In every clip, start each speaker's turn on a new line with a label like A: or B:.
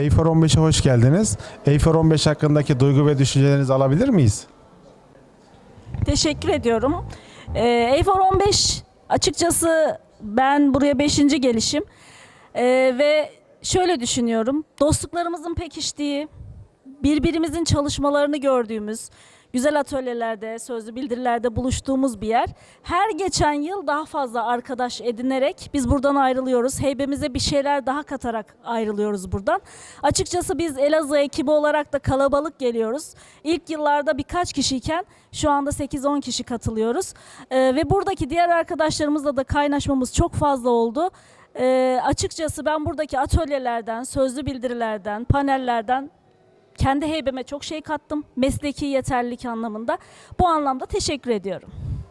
A: Eyfor 15'e hoş geldiniz. Eyfor 15 hakkındaki duygu ve düşüncelerinizi alabilir miyiz?
B: Teşekkür ediyorum. Eyfor 15 açıkçası ben buraya 5. gelişim. Ve şöyle düşünüyorum. Dostluklarımızın pekiştiği, birbirimizin çalışmalarını gördüğümüz, güzel atölyelerde, sözlü bildirilerde buluştuğumuz bir yer. Her geçen yıl daha fazla arkadaş edinerek biz buradan ayrılıyoruz. Heybemize bir şeyler daha katarak ayrılıyoruz buradan. Açıkçası biz Elazığ ekibi olarak da kalabalık geliyoruz. İlk yıllarda birkaç kişiyken şu anda 8-10 kişi katılıyoruz. Ve buradaki diğer arkadaşlarımızla da kaynaşmamız çok fazla oldu. Açıkçası ben buradaki atölyelerden, sözlü bildirilerden, panellerden kendi heybeme çok şey kattım. Mesleki yeterlilik anlamında. Bu anlamda teşekkür ediyorum.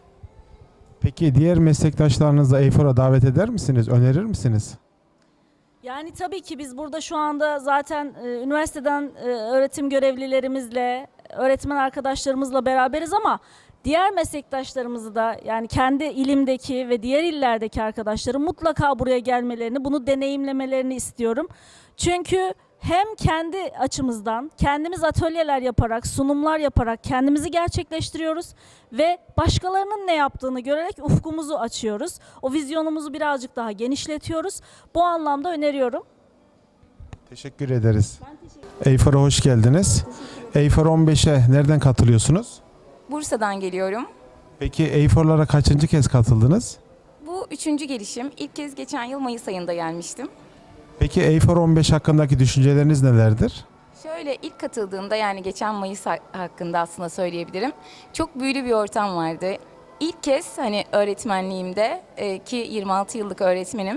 A: Peki diğer meslektaşlarınızı Eyfor'a davet eder misiniz? Önerir misiniz?
B: Yani tabii ki biz burada şu anda zaten üniversiteden öğretim görevlilerimizle, öğretmen arkadaşlarımızla beraberiz ama diğer meslektaşlarımızı da yani kendi ilimdeki ve diğer illerdeki arkadaşlarım mutlaka buraya gelmelerini, bunu deneyimlemelerini istiyorum. Çünkü hem kendi açımızdan kendimiz atölyeler yaparak, sunumlar yaparak kendimizi gerçekleştiriyoruz ve başkalarının ne yaptığını görerek ufkumuzu açıyoruz. O vizyonumuzu birazcık daha genişletiyoruz. Bu anlamda öneriyorum.
A: Teşekkür ederiz. Eyfor'a hoş geldiniz. Eyfor 15'e nereden katılıyorsunuz?
C: Bursa'dan geliyorum.
A: Peki Eyfor'lara kaçıncı kez katıldınız?
C: Bu 3. gelişim. İlk kez geçen yıl Mayıs ayında gelmiştim.
A: Peki Eyfor 15 hakkındaki düşünceleriniz nelerdir?
C: Şöyle ilk katıldığımda yani geçen Mayıs hakkında aslında söyleyebilirim. Çok büyülü bir ortam vardı. İlk kez hani öğretmenliğimde ki 26 yıllık öğretmenim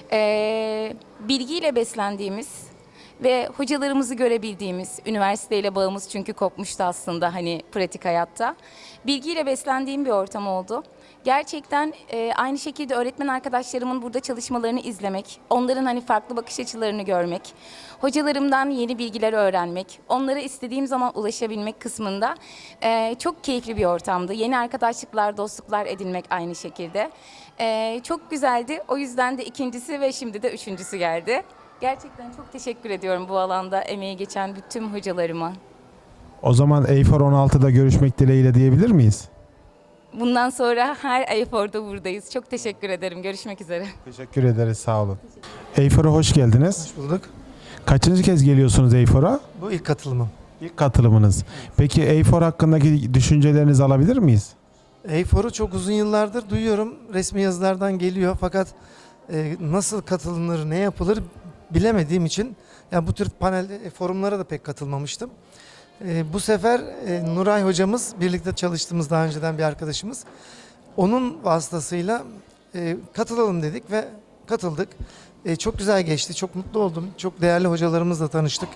C: bilgiyle beslendiğimiz ve hocalarımızı görebildiğimiz, üniversiteyle bağımız çünkü kopmuştu aslında hani pratik hayatta. Bilgiyle beslendiğim bir ortam oldu. Gerçekten aynı şekilde öğretmen arkadaşlarımın burada çalışmalarını izlemek, onların hani farklı bakış açılarını görmek, hocalarımdan yeni bilgiler öğrenmek, onlara istediğim zaman ulaşabilmek kısmında çok keyifli bir ortamdı. Yeni arkadaşlıklar, dostluklar edinmek aynı şekilde. Çok güzeldi. O yüzden de ikincisi ve şimdi de üçüncüsü geldi. Gerçekten çok teşekkür ediyorum bu alanda emeği geçen bütün hocalarıma.
A: O zaman Eyfor 16'da görüşmek dileğiyle diyebilir miyiz?
C: Bundan sonra her Eyfor'da buradayız. Çok teşekkür ederim. Görüşmek üzere.
A: Teşekkür ederiz, sağ olun. Eyfor'a hoş geldiniz.
D: Hoş bulduk.
A: Kaçıncı kez geliyorsunuz Eyfor'a?
D: Bu ilk katılımım.
A: İlk katılımınız. Peki Eyfor hakkındaki düşüncelerinizi alabilir miyiz?
D: Eyfor'u çok uzun yıllardır duyuyorum. Resmi yazılardan geliyor fakat nasıl katılınır, ne yapılır bilemediğim için yani bu tür panel forumlara da pek katılmamıştım. Bu sefer Nuray hocamız, birlikte çalıştığımız daha önceden bir arkadaşımız. Onun vasıtasıyla katılalım dedik ve katıldık. Çok güzel geçti, çok mutlu oldum. Çok değerli hocalarımızla tanıştık.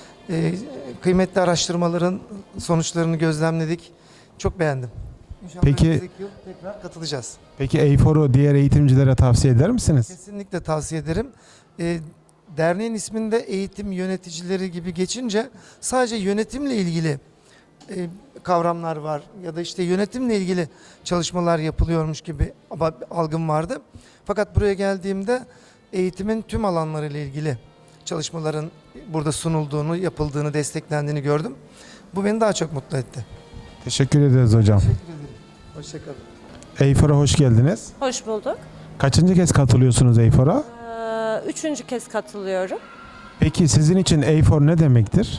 D: Kıymetli araştırmaların sonuçlarını gözlemledik. Çok beğendim. İnşallah
A: Peki-
D: önümüzdeki yıl tekrar katılacağız.
A: Peki Eyfor'u diğer eğitimcilere tavsiye eder misiniz?
D: Kesinlikle tavsiye ederim. Derneğin isminde eğitim yöneticileri gibi geçince sadece yönetimle ilgili kavramlar var ya da işte yönetimle ilgili çalışmalar yapılıyormuş gibi algım vardı. Fakat buraya geldiğimde eğitimin tüm alanlarıyla ilgili çalışmaların burada sunulduğunu, yapıldığını, desteklendiğini gördüm. Bu beni daha çok mutlu etti.
A: Teşekkür ederiz hocam.
D: Teşekkür ederim. Hoşçakalın.
A: Eyfor'a hoş geldiniz.
E: Hoş bulduk.
A: Kaçıncı kez katılıyorsunuz Eyfor'a?
E: Üçüncü kez katılıyorum.
A: Peki sizin için Eyfor ne demektir?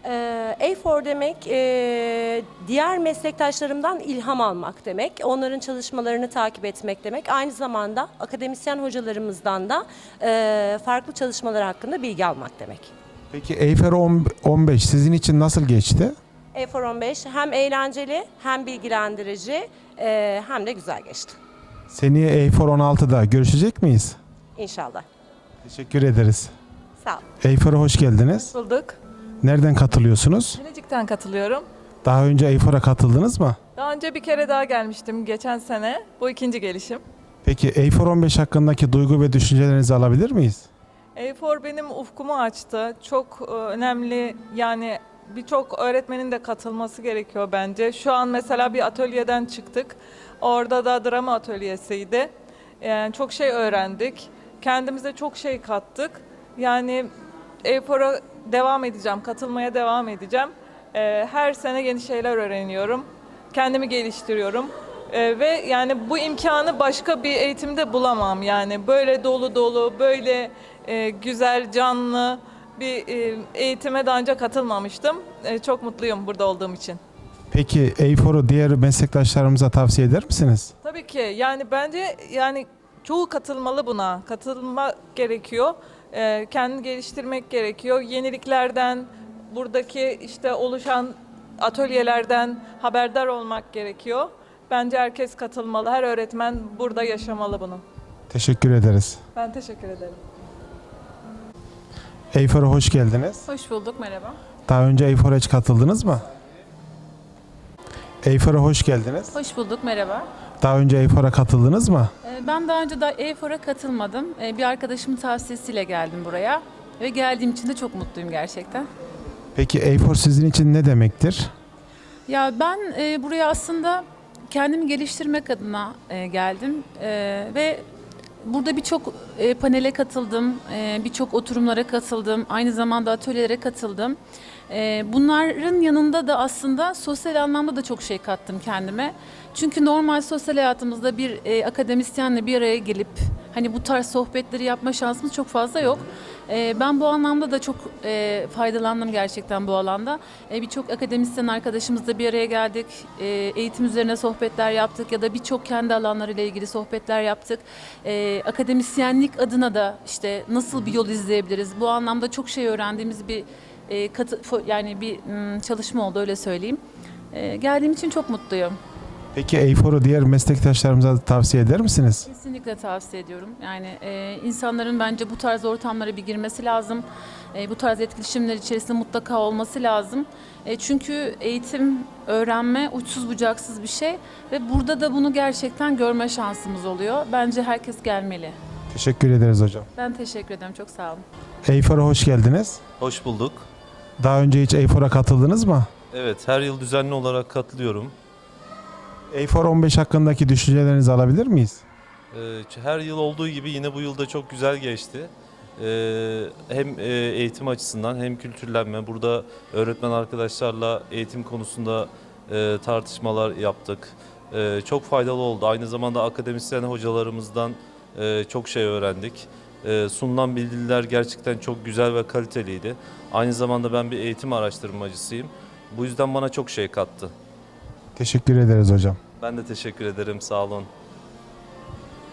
E: A4 demek diğer meslektaşlarımdan ilham almak demek. Onların çalışmalarını takip etmek demek. Aynı zamanda akademisyen hocalarımızdan da farklı çalışmalar hakkında bilgi almak demek.
A: Peki Eyfor 15 sizin için nasıl geçti?
E: A4 15 hem eğlenceli hem bilgilendirici hem de güzel geçti.
A: Seneye Eyfor 16'da görüşecek miyiz?
E: İnşallah.
A: Teşekkür ederiz.
E: Sağ olun.
A: Eyfor'a hoş geldiniz.
F: Bulduk.
A: Nereden katılıyorsunuz?
F: Bilecik'ten katılıyorum.
A: Daha önce Eyfor'a katıldınız mı?
F: Daha önce bir kere daha gelmiştim geçen sene. Bu ikinci gelişim.
A: Peki Eyfor 15 hakkındaki duygu ve düşüncelerinizi alabilir miyiz?
F: A4 benim ufkumu açtı. Çok önemli yani birçok öğretmenin de katılması gerekiyor bence. Şu an mesela bir atölyeden çıktık. Orada da drama atölyesiydi. Yani çok şey öğrendik. Kendimize çok şey kattık. Yani Efor'a devam edeceğim, katılmaya devam edeceğim. Her sene yeni şeyler öğreniyorum, kendimi geliştiriyorum. Ve yani bu imkanı başka bir eğitimde bulamam. Yani böyle dolu dolu, böyle güzel, canlı bir eğitime daha önce katılmamıştım. Çok mutluyum burada olduğum için.
A: Peki A4'u diğer meslektaşlarımıza tavsiye eder misiniz?
F: Tabii ki yani bence yani çoğu katılmalı buna. Katılmak gerekiyor. Kendini geliştirmek gerekiyor. Yeniliklerden, buradaki işte oluşan atölyelerden haberdar olmak gerekiyor. Bence herkes katılmalı. Her öğretmen burada yaşamalı bunu.
A: Teşekkür ederiz.
F: Ben teşekkür ederim.
A: A4'a hoş geldiniz.
G: Hoş bulduk, merhaba.
A: Daha önce A4'a hiç katıldınız mı? A4'a hoş geldiniz.
G: Hoş bulduk, merhaba.
A: Daha önce A4'a katıldınız mı?
G: Ben daha önce E4'a katılmadım. Bir arkadaşımın tavsiyesiyle geldim buraya. Ve geldiğim için de çok mutluyum gerçekten.
A: Peki A4 sizin için ne demektir?
G: Ya ben buraya aslında kendimi geliştirmek adına geldim. Ve burada birçok panele katıldım, birçok oturumlara katıldım, aynı zamanda atölyelere katıldım. Bunların yanında da aslında sosyal anlamda da çok şey kattım kendime. Çünkü normal sosyal hayatımızda bir akademisyenle bir araya gelip hani bu tarz sohbetleri yapma şansımız çok fazla yok. Ben bu anlamda da çok faydalandım gerçekten bu alanda. Birçok akademisyen arkadaşımızla bir araya geldik. Eğitim üzerine sohbetler yaptık ya da birçok kendi alanlarıyla ilgili sohbetler yaptık. Akademisyenlik adına da işte nasıl bir yol izleyebiliriz? Bu anlamda çok şey öğrendiğimiz bir çalışma oldu, öyle söyleyeyim. Geldiğim için çok mutluyum.
A: Peki A4'u diğer meslektaşlarımıza da tavsiye eder misiniz?
G: Kesinlikle tavsiye ediyorum. Yani insanların bence bu tarz ortamlara bir girmesi lazım. Bu tarz etkileşimler içerisinde mutlaka olması lazım. Çünkü eğitim, öğrenme uçsuz bucaksız bir şey ve burada da bunu gerçekten görme şansımız oluyor. Bence herkes gelmeli.
A: Teşekkür ederiz hocam.
G: Ben teşekkür ederim. Çok sağ olun.
A: A4'a hoş geldiniz.
H: Hoş bulduk.
A: Daha önce hiç A4'a katıldınız mı?
H: Evet, her yıl düzenli olarak katılıyorum.
A: A4 15 hakkındaki düşüncelerinizi alabilir miyiz?
H: Her yıl olduğu gibi yine bu yıl da çok güzel geçti. Hem eğitim açısından hem kültürlenme. Burada öğretmen arkadaşlarla eğitim konusunda tartışmalar yaptık. Çok faydalı oldu. Aynı zamanda akademisyen hocalarımızdan çok şey öğrendik. Sunulan bildiriler gerçekten çok güzel ve kaliteliydi. Aynı zamanda ben bir eğitim araştırmacısıyım. Bu yüzden bana çok şey kattı.
A: Teşekkür ederiz hocam.
H: Ben de teşekkür ederim. Sağ olun.